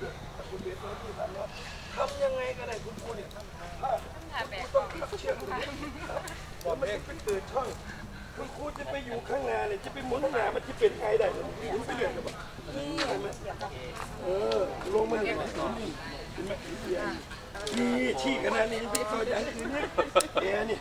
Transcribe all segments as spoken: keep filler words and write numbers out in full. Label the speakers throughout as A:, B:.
A: คุณเบียร์ที่สามร้อยทำยังไงก็ได้คุณครูเนี่ยคุณต้องขับเชือกบอกไม่เป็นตื่นช่องคุณครูจะไปอยู่ข้างหน้าเนี่ยจะไปหมุนหน้ามันจะเป็นไงได้หมุนไปเรื่อยเลยนี่เห็นไหมเออลงมาเห็นไหมเห็นไหมนี่ชี้ขนาดนี้ไปต่ออย่างอื่นเนี่ยแกนี่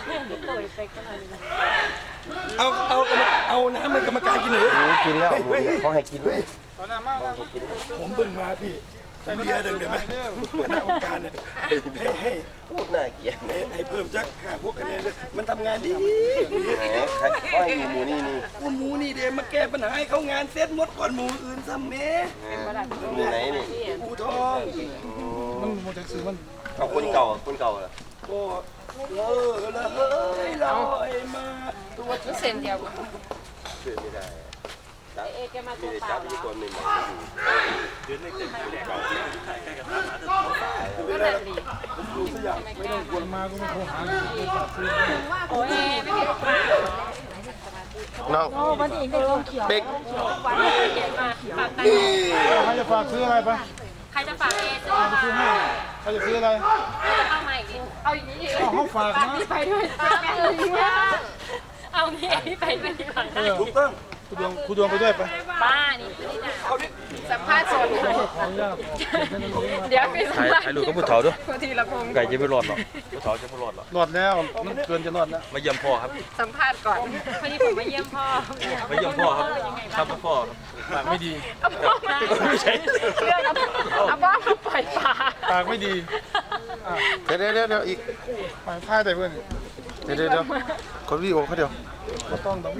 A: เอาเอาเอาน้ำมันกรรมการกินเลยกินแล้วเขาให้กินด้วยผมเบิ่งมาพี่เบียร์ดึงเดี๋ยวไหมคณะกรรมการเนี่ยให้ให้พูดน่าเกลียดให้เพิ่มจักห้าพวกคะแนนเลยมันทำงานดีเขาให้หมูนี่นี่หมูนี่เดี๋ยวมาแก้ปัญหาให้เขางานเซ็ตหมดก่อนหมูอื่นซ้ำเม้หมูไหนนี่หมูทองมันหมูจากซื้อมันเอาคนเก่าคนเก่าเหรอโอ้เออแล้วเฮ้ยลอยมาตัวเส้นเดียวเส้นไม่ได้เอแกมาตัวเปล่าแล้วคนหนึ่งเดือนนึงเต็มเดือนเก่าใกล้ๆกับร้านนั้นก็นั่นดีผมดูสักอย่างไม่ต้องกวนมาก็ไม่โทรหาโอ้ยไม่มีปลาน้องวันนี้เป็นเขียวเป็กวันนี้เขียวมาปากไตใครจะฝากซื้ออะไรไปใครจะฝากเอซื้อให้ใครจะซื้ออะไรจะเข้ามาอีกเอาอย่างนี้เอาเขาฝากนะไปด้วยเอางี้ไปด้วยดีกว่าถูกต้องคุณดวงคุณดวงไปด้วยไปบ้านี่สัมภาษณ์สดเดี๋ยวไปสัมภาษณ์ถ่ายรูปกับผู้เฒ่าด้วยทีละพงไก่จะไม่รอดหรอกผู้เฒ่าจะไม่รอดหรอกรอดแล้วมันเกินจะรอดแล้วมาเยี่ยมพ่อครับสัมภาษณ์ก่อนพอดีผมมาเยี่ยมพ่อมาเยี่ยมพ่อครับครับพ่อปากไม่ดีไม่ใช่เรื่องเอาพ่อมาปล่อยปลาปากไม่ดีเดี๋ยวเดี๋ยวเดี๋ยวอีกถ่ายแต่เพื่อนเดี๋ยวเดี๋ยวคนวิดีโอเขาเดียวก็ต้อง